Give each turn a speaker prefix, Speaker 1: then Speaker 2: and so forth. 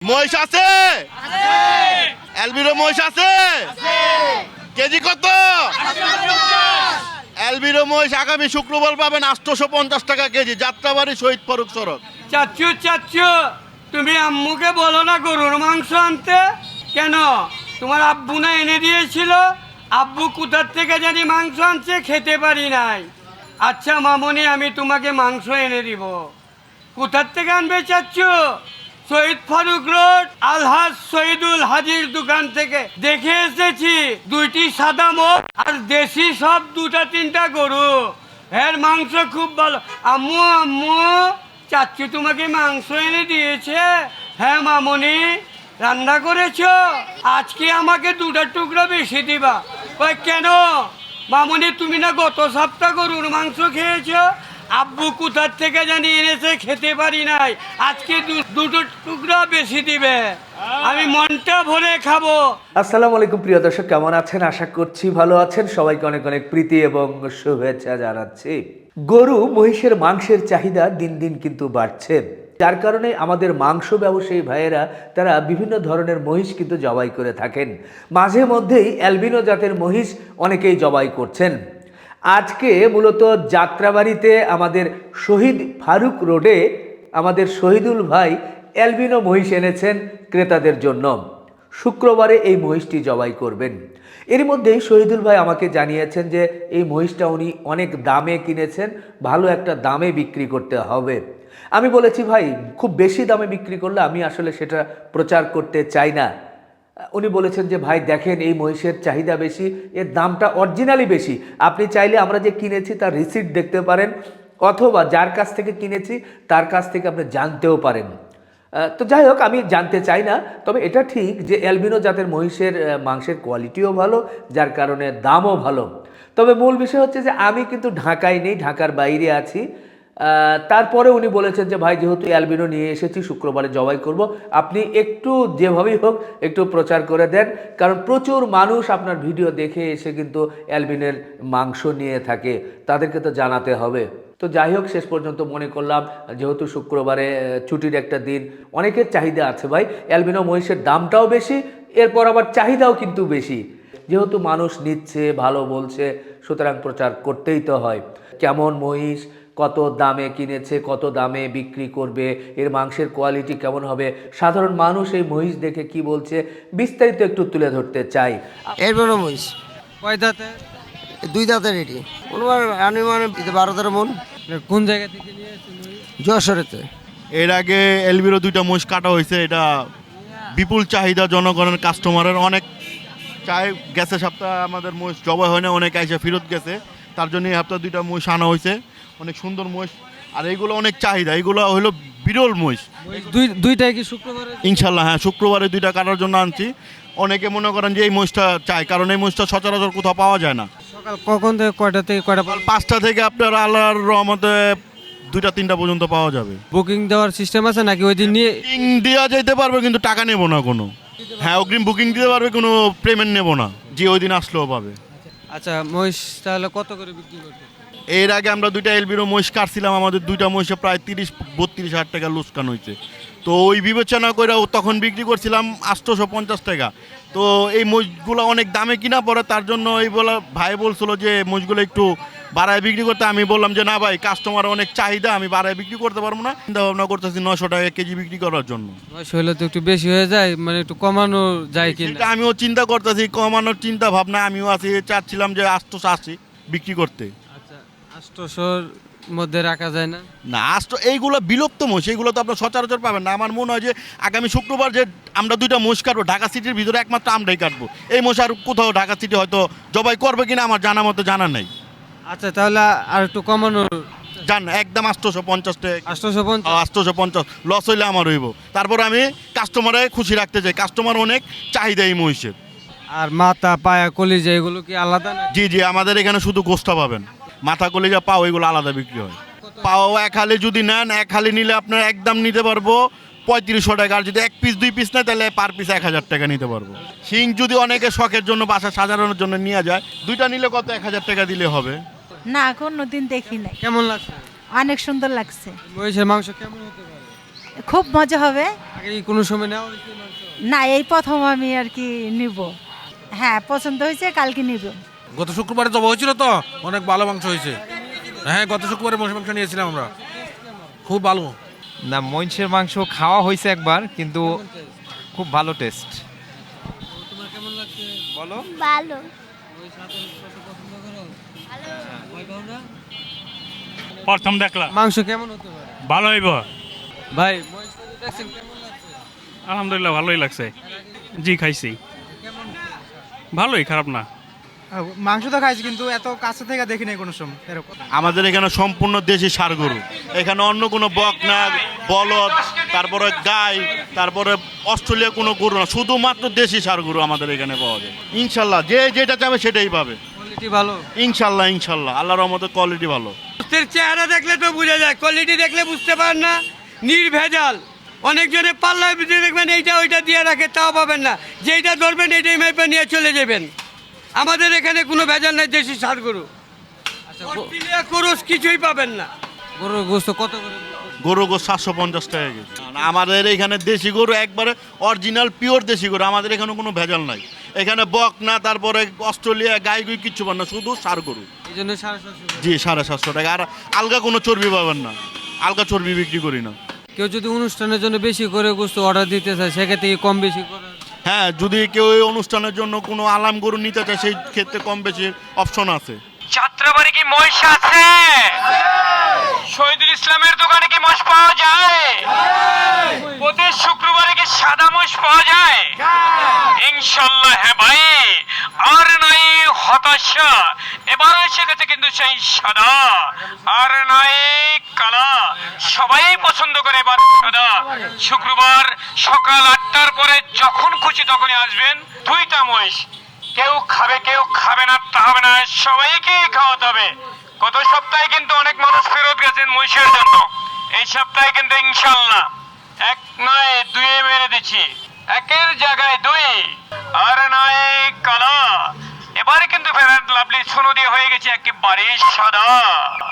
Speaker 1: মহিষ আছে? অ্যালবিনো মহিষ আছে? কেজি কত? অ্যালবিনো মহিষ আগামী শুক্রবার পাবেন 850 টাকা কেজি, যাত্রাবাড়ি শহীদ ফারুক সড়ক।
Speaker 2: চাচ্চু তুমি আম্মুকে বলো না গরুর মাংস আনতে। কেন? তোমার আব্বু না এনে দিয়েছিল? আব্বু কোথার থেকে জানি মাংস আনছে, খেতে পারি নাই। আচ্ছা মামনি, আমি তোমাকে মাংস এনে দিব। কোথার থেকে আনবে চাচ্চু? শহীদ ফারুক রোড আলহাজ শহীদুল হাজির দোকান থেকে। দেখে এসেছি দুইটি সাদা মুখ আর দেশি সব দুটা তিনটা গরু। এর মাংস খুব ভালো। আম্মু আম্মু, চাচ্চু তোমাকে মাংস এনে দিয়েছে? হ্যাঁ মামনি, রান্না করেছো? আজকে আমাকে দুটা টুকরা বেশি দিবা। ওই কেন মামনি, তুমি না গত সপ্তাহ গরুর মাংস খেয়েছো? আব্বু কোথার থেকে জানি এনেছে, খেতে পারি নাই। আজকে দুটো টুকরা বেশি দিবে, আমি মনটা ভরে খাবো।
Speaker 3: আসসালামু আলাইকুম প্রিয় দর্শক, কেমন আছেন? আশা করছি ভালো আছেন। সবাইকে অনেক অনেক প্রীতি এবং শুভেচ্ছা জানাচ্ছি। গরু মহিষের মাংসের চাহিদা দিন দিন কিন্তু বাড়ছে, যার কারণে আমাদের মাংস ব্যবসায়ী ভাইয়েরা তারা বিভিন্ন ধরনের মহিষ কিন্তু জবাই করে থাকেন। মাঝে মধ্যেই অ্যালবিনো জাতের মহিষ অনেকেই জবাই করছেন। আজকে মূলত যাত্রাবাড়িতে আমাদের শহীদ ফারুক রোডে আমাদের শহীদুল ভাই অ্যালবিনো মহিষ এনেছেন ক্রেতাদের জন্য। শুক্রবারে এই মহিষটি জবাই করবেন। এর মধ্যেই শহীদুল ভাই আমাকে জানিয়েছেন যে এই মহিষটা উনি অনেক দামে কিনেছেন, ভালো একটা দামে বিক্রি করতে হবে। আমি বলেছি ভাই, খুব বেশি দামে বিক্রি করলে আমি আসলে সেটা প্রচার করতে চাই না। উনি বলেছেন যে ভাই দেখেন, এই মহিষের চাহিদা বেশি, এর দামটা অরিজিনালি বেশি। আপনি চাইলে আমরা যে কিনেছি তার রিসিট দেখতে পারেন, অথবা যার কাছ থেকে কিনেছি তার কাছ থেকে আপনি জানতেও পারেন। তো যাই হোক, আমি জানতে চাই না। তবে এটা ঠিক যে অ্যালবিনো জাতের মহিষের মাংসের কোয়ালিটিও ভালো, যার কারণে দামও ভালো। তবে মূল বিষয় হচ্ছে যে আমি কিন্তু ঢাকায় নেই, ঢাকার বাইরে আছি। তারপরে উনি বলেছেন যে ভাই, যেহেতু অ্যালবিনো নিয়ে এসেছি, শুক্রবারে জবাই করব, আপনি একটু যেভাবেই হোক একটু প্রচার করে দেন, কারণ প্রচুর মানুষ আপনার ভিডিও দেখে এসে কিন্তু অ্যালবিনের মাংস নিয়ে থাকে, তাদেরকে তো জানাতে হবে। তো যাই হোক, শেষ পর্যন্ত মনে করলাম যেহেতু শুক্রবারে ছুটির একটা দিন, অনেকের চাহিদা আছে ভাই, অ্যালবিনো মহিষের দামটাও বেশি, এরপর আবার চাহিদাও কিন্তু বেশি। যেহেতু মানুষ নিচ্ছে, ভালো বলছে, সুতরাং প্রচার করতেই তো হয়। কেমন মহিষ, কত দামে কিনেছে, কত দামে বিক্রি করবে, এর মাংসের কোয়ালিটি কেমন হবে, সাধারণ মানুষ এই মহিষ দেখে কি বলছে, বিস্তারিত একটু তুলে ধরতে চাই।
Speaker 4: এরপরে মহিষ
Speaker 2: কয় দাঁতে?
Speaker 4: দুই দাঁতের এটি অনুমান 12-13 মন।
Speaker 2: কোন জায়গা থেকে নিয়ে এসেছেন?
Speaker 4: যশোরেতে।
Speaker 1: এর আগে অ্যালবিনো 2টা মহিষ কাটা হয়েছে। এটা বিপুল চাহিদা, জনগণের কাস্টমারের অনেক চাই গেছে। সপ্তাহ আমাদের মহিষ জবাই হয় না, অনেক আইসা ফেরত গেছে, তার জন্য এই সপ্তাহে 2টা মহিষ আনা হয়েছে। অনেক সুন্দর মহিষ, আর এইগুলো অনেক চাহিদা, এইগুলো হলো বিরল মহিষ।
Speaker 2: দুইটাই কি শুক্রবারে?
Speaker 1: ইনশাল্লাহ হ্যাঁ, শুক্রবারে 2টা কাটার জন্য আনছি। অনেকে মনে করেন যে এই মহিষটা চাই, কারণ এই মহিষটা সচরাচর কোথাও পাওয়া যায় না।
Speaker 2: সকাল কখন থেকে কয়টা থেকে কয়টা?
Speaker 1: 5টা থেকে আপনার আল্লাহর রহমতে 2টা-3টা পর্যন্ত পাওয়া যাবে।
Speaker 2: বুকিং দেওয়ার সিস্টেম আছে নাকি ওই দিন নিয়ে?
Speaker 1: বুকিং দেওয়া যেতে পারবে, কিন্তু টাকা নেব না কোনো। হ্যাঁ, অগ্রিম বুকিং দিতে পারবে, কোনো পেমেন্ট নেব না, যে ওই দিন আসলেও পাবে।
Speaker 2: আচ্ছা, মহিষ তাহলে কত করে বিক্রি করতে?
Speaker 1: এর আগে আমরা 2টা অ্যালবিনো মহিষ কাটছিলাম, আমাদের 2টা মহিষে প্রায় 30-32 হাজার টাকা লোকসান হয়েছে। তো ওই বিবেচনা করে তখন বিক্রি করছিলাম 850 টাকা। তো এই মহিষগুলো অনেক দামে কিনা পড়ে, তার জন্য এই বলা ভাই বলছিল যে মহিষগুলো একটু বাড়ায় বিক্রি করতে। আমি বললাম যে না ভাই, কাস্টমার অনেক চাহিদা, আমি বাড়ায় বিক্রি করতে পারবো না। চিন্তা ভাবনা করতেছি 900 টাকা কেজি বিক্রি করার জন্য।
Speaker 2: মহিষ হলে তো একটু বেশি হয়ে যায়, মানে একটু কমানো যায়
Speaker 1: সেটা
Speaker 2: কিনা?
Speaker 1: আমিও চিন্তা করতেছি, কমানোর চিন্তা ভাবনা আমিও আছি। চাচ্ছিলাম যে 880 বিক্রি করতে।
Speaker 2: আচ্ছা, 800-র মধ্যে রাখা যায় না?
Speaker 1: না, এইগুলো বিলুপ্ত মহিষ, এইগুলো তো আপনার সচরাচর পাবেন না। আমার মনে হয় যে আগামী শুক্রবার যে আমরা 2টা মহিষ কাটবো, ঢাকা সিটির ভিতরে একমাত্র আমরাই কাটবো। এই মহিষ আর কোথাও ঢাকা সিটি হয়তো জবাই করবে কিনা আমার জানা মতো জানা নেই।
Speaker 2: আচ্ছা, তাহলে আর একটু কমানো
Speaker 1: জান, একদম 850 টাকা।
Speaker 2: 850?
Speaker 1: 850 লস হইলে আমার হইব। তারপর আমি কাস্টমারে খুশি রাখতে চাই, কাস্টমার অনেক চাহিদা এই মহিষের।
Speaker 2: আর মাথা, পায়া, কলিজা এগুলো কি আলাদা না?
Speaker 1: জি জি, আমাদের এখানে শুধু গোস্তা পাবেন, মাথা কলিজা পাও এগুলো আলাদা বিক্রি হয়। পাও এক হালি যদি নেন, এক হালি নিলে আপনার একদম নিতে পারবো 3500 টাকা। আর যদি 1 পিস 2 পিস নেয়, তাহলে পার পিস 1000 টাকা নিতে পারবো। শিং যদি অনেকে শখের জন্য বাসা সাজানোর জন্য নিয়ে যায়, 2টা নিলে কত 1000 টাকা দিলে হবে।
Speaker 5: না, কোনোদিন দেখি নাই।
Speaker 2: কেমন লাগছে?
Speaker 5: অনেক সুন্দর লাগছে।
Speaker 2: মহিষের মাংস কেমন হতে পারে?
Speaker 5: খুব মজা হবে।
Speaker 6: আগে কি কোনো সময় নেওয়া হয়েছে মাংস?
Speaker 5: না, এই প্রথম আমি আর কি নিব। হ্যাঁ, পছন্দ হয়েছে, কালকে নিব।
Speaker 7: গত শুক্রবারে জবা হয়েছিল তো, অনেক ভালো মাংস হয়েছে। হ্যাঁ, গত শুক্রবারে মহিষ মাংস নিয়েছিলাম আমরা, খুব ভালো।
Speaker 8: না, মহিষের মাংস খাওয়া হয়েছে একবার, কিন্তু খুব ভালো টেস্ট।
Speaker 6: তোমার কেমন লাগছে?
Speaker 8: বলো।
Speaker 9: ভালো।
Speaker 6: ওই সাথে পছন্দ করো? ভয় পাও না?
Speaker 10: প্রথম দেখলাম,
Speaker 6: মাংস কেমন হতে পারে?
Speaker 10: ভালো হইব।
Speaker 6: ভাই মহিষটা যে দেখছেন কেমন লাগছে?
Speaker 10: আলহামদুলিল্লাহ ভালোই লাগছে। জি খাইছি, ভালোই, খারাপ না।
Speaker 11: মাংস তো খাইছি, কিন্তু এত কাছে থেকে দেখি নাই কোনো সময় এরকম।
Speaker 1: আমাদের এখানে সম্পূর্ণ দেশি ষাঁড় গরু, এখানে অন্য কোনো বকনা, বলদ, তারপরে গাই, তারপরে অস্ট্রেলিয়া কোনো গরু না, শুধুমাত্র দেশি ষাঁড় গরু আমাদের এখানে পাওয়া যায়। ইনশাল্লাহ যে যেটা চাবে সেটাই পাবে,
Speaker 6: কোয়ালিটি ভালো?
Speaker 1: ইনশাল্লাহ ইনশাল্লাহ, আল্লাহর রহমতে কোয়ালিটি ভালো।
Speaker 2: গোস্তের চেহারা দেখলে তো বোঝা যায়, কোয়ালিটি দেখলে বুঝতে পারেন না, নির্ভেজাল। অনেকজনে পাল্লায় বুঝে দেখবেন এইটা ওইটা দিয়ে রাখে, তাও পাবেন না। যেইটা ধরবেন এইটাই মাইপে নিয়ে চলে যাবেন। আমাদের এখানে কোনো ভেজাল নাই, দেশি ষাঁড় গরু। অস্ট্রেলিয়া ক্রস কিছুই পাবেন না।
Speaker 6: গরুর গোস্ত কত করে?
Speaker 1: গরু গো 750 টাকা কেজি। আমাদের এখানে দেশি গরু একবারে অরিজিনাল পিওর দেশি গরু, আমাদের এখানে কোনো ভেজাল নাই। এখানে বক না, তারপরে অস্ট্রেলিয়া গাই গুই কিচ্ছু পান না, শুধু ষাঁড় গরু।
Speaker 6: এই জন্য 750।
Speaker 1: জি 750 টাকা। আর আলগা কোনো চর্বি পাবেন না, আলগা চর্বি বিক্রি করি না।
Speaker 6: কেউ যদি অনুষ্ঠানের জন্য বেশি করে গোস্ত অর্ডার দিতে চায়, সেক্ষেত্রে কি কম বেশি করে?
Speaker 1: হ্যাঁ, যদি কেউ এই অনুষ্ঠানের জন্য কোনো আলাম গরু নিতে চায়, সেই ক্ষেত্রে কম বেশি অপশন আছে।
Speaker 12: যাত্রাবাড়ি কি মহিষ আছে? শহীদুল ইসলামের দোকানে কি মহিষ পাওয়া যায়? প্রতি শুক্রবারে কি সাদা মহিষ পাওয়া যায়? ইনশাল্লাহ হ্যাঁ ভাই, আর নাই হতাশা, এবার এসে গেছে কিন্তু সেই সাদা, আর নাই কালা, সবাই পছন্দ করে এবার সাদা। শুক্রবার সকাল 8টার পরে যখন খুশি তখনই আসবেন, 2টা মহিষ, কেউ খাবে কেউ খাবে না তা হবে না, সবাইকে খাওয়াতে হবে। গত সপ্তাহে কিন্তু অনেক মানুষ ফেরত গেছেন মহিষের জন্য, এই সপ্তাহে কিন্তু ইনশাল্লাহ 1 নয় 2 মেরে দিচ্ছি, 1-এর জায়গায় 2, আর নয় কালা। এবারে কিন্তু ফেরার লাভলি সোনো দিয়ে হয়ে গেছে একেবারে সাদা।